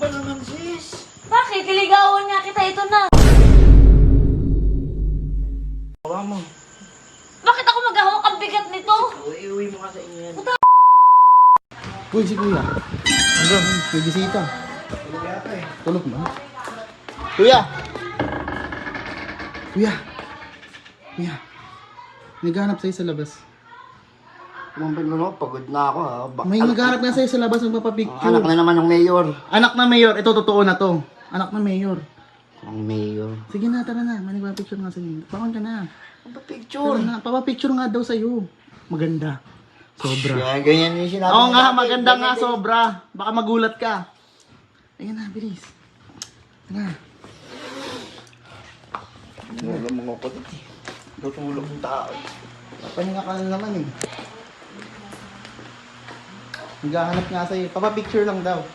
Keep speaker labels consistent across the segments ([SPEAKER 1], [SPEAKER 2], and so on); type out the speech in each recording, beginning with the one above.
[SPEAKER 1] ba naman, sis?
[SPEAKER 2] Bakit? Iligawan nga kita, ito na.
[SPEAKER 1] Hawa mo.
[SPEAKER 2] Bakit ako maghahawak ang bigat nito?
[SPEAKER 1] Iuwi mo ka sa inyo yan.
[SPEAKER 3] Uy, si kuya. Ano? May bisita.
[SPEAKER 1] Tulog yata eh.
[SPEAKER 3] Tulog na. Kuya! Kuya! Kuya! Naghanap sa'yo sa labas.
[SPEAKER 1] Kumampin mo no, pagod na ako ha.
[SPEAKER 3] May naghanap nga sa'yo sa labas ng papapicture.
[SPEAKER 1] Anak na naman ng mayor.
[SPEAKER 3] Anak na mayor. Ito, totoo na to. Anak na mayor.
[SPEAKER 1] Ang mayor.
[SPEAKER 3] Sige na, tara na. May nagpapicture nga sa'yo. Pakon ka na.
[SPEAKER 1] Ang picture.
[SPEAKER 3] Tara na. Papapicture nga daw sa'yo. Maganda. Sobra.
[SPEAKER 1] Kaya ganyan yung sinabi
[SPEAKER 3] Oo
[SPEAKER 1] mo
[SPEAKER 3] nga,
[SPEAKER 1] dati.
[SPEAKER 3] maganda nga,
[SPEAKER 1] Ganyan din.
[SPEAKER 3] sobra. Baka magulat ka. Ayan na, bilis. Ayan na.
[SPEAKER 1] Wala mga kapatid eh. Tutulog ng tao.
[SPEAKER 3] Papahinga ka na naman eh. Naghahanap nga sa'yo. Papapicture lang daw.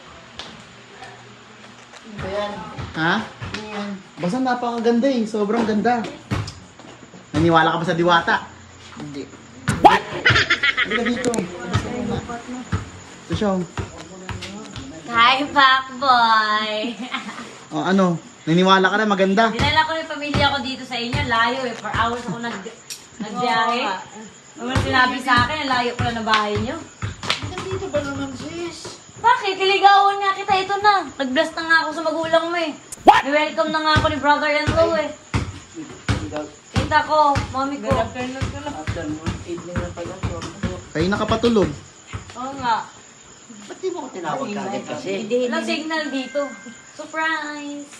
[SPEAKER 1] Ayan.
[SPEAKER 3] Ha?
[SPEAKER 1] Ayan.
[SPEAKER 3] Basta napakaganda eh. Sobrang ganda. Naniwala ka ba sa diwata?
[SPEAKER 1] Hindi.
[SPEAKER 3] Hindi ka dito. Labas ka muna. Ito siya. Oh.
[SPEAKER 2] Hi, Pacboy!
[SPEAKER 3] Oh, ano? Naniwala ka na maganda.
[SPEAKER 2] Dinala ko yung pamilya ko dito sa inyo. Layo eh. For hours ako nagbiyahe. Ano sinabi sa akin, layo pala na bahay nyo.
[SPEAKER 1] Nandito ba naman, sis?
[SPEAKER 2] Bakit? Iligawan nga kita, ito na. Nag-bless na nga ako sa magulang mo eh. Welcome na nga ako ni brother-in-law eh. Kita ko, mami ko.
[SPEAKER 1] Afternoon, evening na pala.
[SPEAKER 3] Kayo nakapatulog.
[SPEAKER 2] Oo nga.
[SPEAKER 1] Ba't di mo ko tinawag kagad kasi?
[SPEAKER 2] Walang signal dito. Surprise!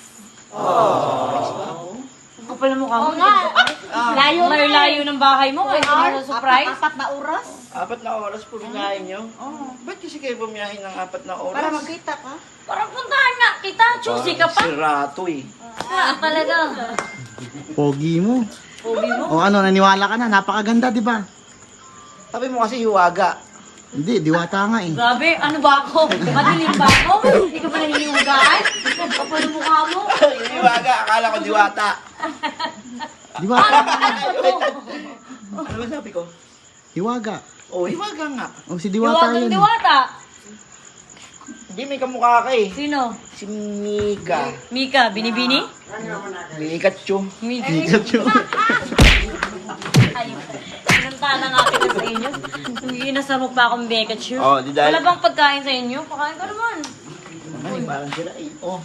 [SPEAKER 1] Oh.
[SPEAKER 2] Ang kapal na mukha mo. Layo layo ng bahay mo. Kaya ito surprise.
[SPEAKER 4] Apat na oras.
[SPEAKER 1] 4 na oras po bumiyahin nyo? Oo. Ba't kasi kayo bumiyahin ng 4 na oras?
[SPEAKER 4] Para magkita ka.
[SPEAKER 2] Parang puntahan nga kita. Choosy ka pa.
[SPEAKER 1] Sirato eh.
[SPEAKER 2] Ah, talaga.
[SPEAKER 3] Pogi mo.
[SPEAKER 2] Pogi mo.
[SPEAKER 3] O ano, naniwala ka na. Napakaganda, di ba?
[SPEAKER 1] Sabi mo kasi hiwaga.
[SPEAKER 3] Hindi, diwata nga eh.
[SPEAKER 2] Grabe, ano ba ako? Madilim ba ako? Hindi ka pa naniniwagaan? Kapal ang mukha mo.
[SPEAKER 1] Hiwaga, akala ko diwata.
[SPEAKER 3] Diwata nga.
[SPEAKER 1] Ano ba sabi ko?
[SPEAKER 3] Hiwaga.
[SPEAKER 1] Oh, hiwaga nga.
[SPEAKER 3] O, si diwata
[SPEAKER 2] Diwatang
[SPEAKER 3] yun.
[SPEAKER 2] diwata.
[SPEAKER 1] Hindi may kamukha ka eh.
[SPEAKER 2] Sino?
[SPEAKER 1] Si Mika.
[SPEAKER 2] Mika, binibini?
[SPEAKER 1] Mikachu.
[SPEAKER 2] Mika.
[SPEAKER 3] Pikachu.
[SPEAKER 2] Ayun. Sinunta na nga kita sa inyo. Inasarok pa akong Pikachu.
[SPEAKER 1] Oh, di dahil-
[SPEAKER 2] Wala bang pagkain sa inyo? Pakain ka naman.
[SPEAKER 1] Ay, parang sila eh. Oh.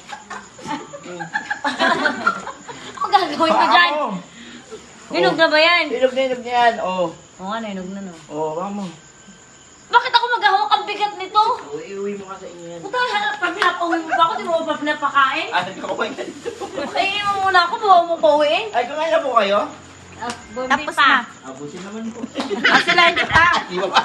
[SPEAKER 2] Ano gagawin ko dyan?
[SPEAKER 1] Ako.
[SPEAKER 2] Hinog na ba yan?
[SPEAKER 1] Hinog na yan. Oh.
[SPEAKER 2] Oo nga, hinog na no.
[SPEAKER 1] Oh, vamos.
[SPEAKER 2] Bakit ako maghahawak ang bigat nito?
[SPEAKER 1] Oh, iuwi mo ka sa inyo yan.
[SPEAKER 2] Puta, pag pinapauwi mo pa ako, di mo pa pinapakain?
[SPEAKER 1] Ah, nagkakumain ka dito.
[SPEAKER 2] Kainin mo muna ako, bawa mo pauwiin.
[SPEAKER 1] Ay, kumain na po kayo?
[SPEAKER 4] Tapos na.
[SPEAKER 1] Abusin naman po.
[SPEAKER 4] Asilahin kita.
[SPEAKER 1] Di ba pa?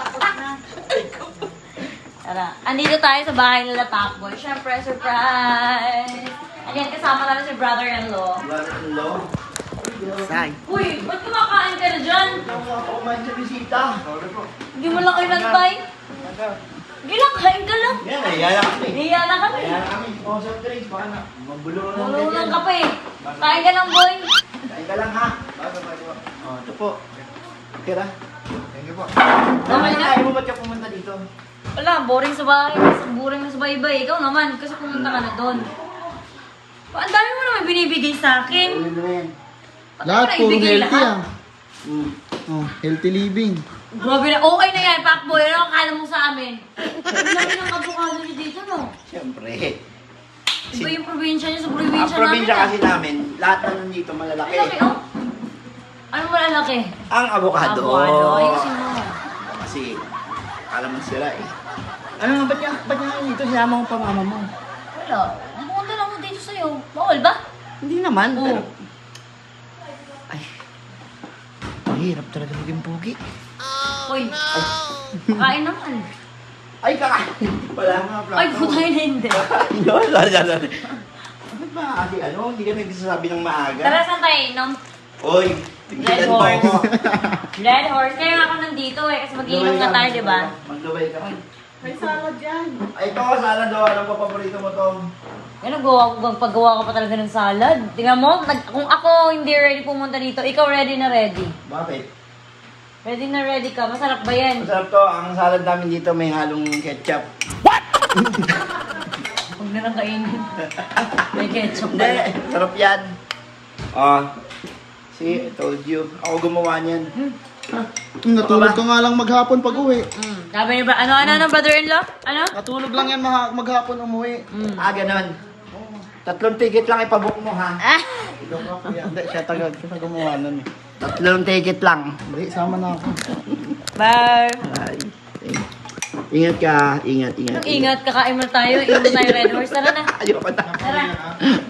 [SPEAKER 2] Tara, andito tayo sa bahay nila Pacboy. Siyempre, surprise! Again, kasama namin si brother-in-law.
[SPEAKER 1] Brother-in-law.
[SPEAKER 3] Say.
[SPEAKER 2] Uy, ba't kumakain ka na dyan?
[SPEAKER 1] Kumain sa bisita. Sorry po.
[SPEAKER 2] Hindi mo lang kayo nagtay? Hindi lang, kain ka lang.
[SPEAKER 1] Yan, nahiyaya kami.
[SPEAKER 2] Hiya na kami.
[SPEAKER 1] Nahiyaya kami. Oh, soft drinks. Baka na. Magulo na
[SPEAKER 2] Tulungan ka pa eh. Kain ka lang, boy.
[SPEAKER 1] Kain ka lang ha. Oh, ito po. Okay na. Thank you po.
[SPEAKER 2] Okay na?
[SPEAKER 1] Ayaw mo ba't ka pumunta dito?
[SPEAKER 2] Wala, boring sa bahay. Boring na sa bahay. Ikaw naman, kasi pumunta ka na doon. Ang dami mo naman binibigay sa akin.
[SPEAKER 1] Ulit na yan.
[SPEAKER 3] Lahat
[SPEAKER 2] Ba't
[SPEAKER 3] puro
[SPEAKER 2] mo na ibigay
[SPEAKER 3] healthy
[SPEAKER 2] lahat?
[SPEAKER 3] ah.
[SPEAKER 1] Mm.
[SPEAKER 3] Oh, healthy living.
[SPEAKER 2] Grabe na, okay na yan, Pacboy. Ano ang kala mo sa amin? Ang laki ng avocado niyo dito, no?
[SPEAKER 1] Siyempre.
[SPEAKER 2] Iba yung probinsya niyo sa
[SPEAKER 1] Ang
[SPEAKER 2] probinsya namin.
[SPEAKER 1] probinsya
[SPEAKER 2] ah.
[SPEAKER 1] kasi namin, lahat na nandito malalaki.
[SPEAKER 2] Ang laki, oh. Ano malalaki?
[SPEAKER 1] Ang avocado.
[SPEAKER 2] Avocado. Ayusin mo.
[SPEAKER 1] Kasi, alam mo sila eh. Ano nga, ba't nga dito sinama mo pa mama mo?
[SPEAKER 2] Wala. Ang pumunta lang mo dito sa'yo. Bawal ba?
[SPEAKER 1] Hindi naman,
[SPEAKER 2] Oo.
[SPEAKER 1] pero... Ay, mahirap talaga maging pugi.
[SPEAKER 2] Uy. Kain naman.
[SPEAKER 1] Ay, kakain pala nga.
[SPEAKER 2] Ay, putay na hindi.
[SPEAKER 1] Sorry. Bakit ba kasi ano, hindi ka nagsasabi ng maaga?
[SPEAKER 2] Tara, saan tayo inom?
[SPEAKER 1] Oy,
[SPEAKER 2] Red
[SPEAKER 1] tingnan mo
[SPEAKER 2] horse.
[SPEAKER 1] ako.
[SPEAKER 2] Red horse. Kaya nga ako nandito eh. Kasi mag-iinom na tayo, di ba?
[SPEAKER 1] Maglubay ka.
[SPEAKER 4] May salad yan.
[SPEAKER 1] Ay, ito, salad daw. Anong paborito mo to?
[SPEAKER 2] Ano, paggawa ko pa talaga ng salad. Tingnan mo, kung ako hindi ready pumunta dito, ikaw ready na ready.
[SPEAKER 1] Bakit?
[SPEAKER 2] Ready na ready ka. Masarap ba yan?
[SPEAKER 1] Masarap to. Ang salad namin dito may halong ketchup.
[SPEAKER 2] Ang Huwag na lang kainin. May ketchup
[SPEAKER 1] Hindi,
[SPEAKER 2] pala.
[SPEAKER 1] sarap yan. See, I told you. Ako gumawa niyan.
[SPEAKER 3] Natulog ka nga lang maghapon pag uwi.
[SPEAKER 2] Sabi niyo ba, ano, brother-in-law? Ano?
[SPEAKER 3] Natulog lang yan maghapon umuwi.
[SPEAKER 1] Ganon. 3 ticket lang ipabook mo, ha?
[SPEAKER 3] Ikaw ka kuya. Hindi, siya kita gumawa nun eh.
[SPEAKER 1] 3 ticket lang.
[SPEAKER 3] Hindi, sama na ako.
[SPEAKER 2] Bye!
[SPEAKER 1] Ay. Ingat ka. Ingat.
[SPEAKER 2] Ingat, kakain mo tayo. Inom tayo Red Horse. Tara na.
[SPEAKER 1] Ayoko na.
[SPEAKER 2] Tara.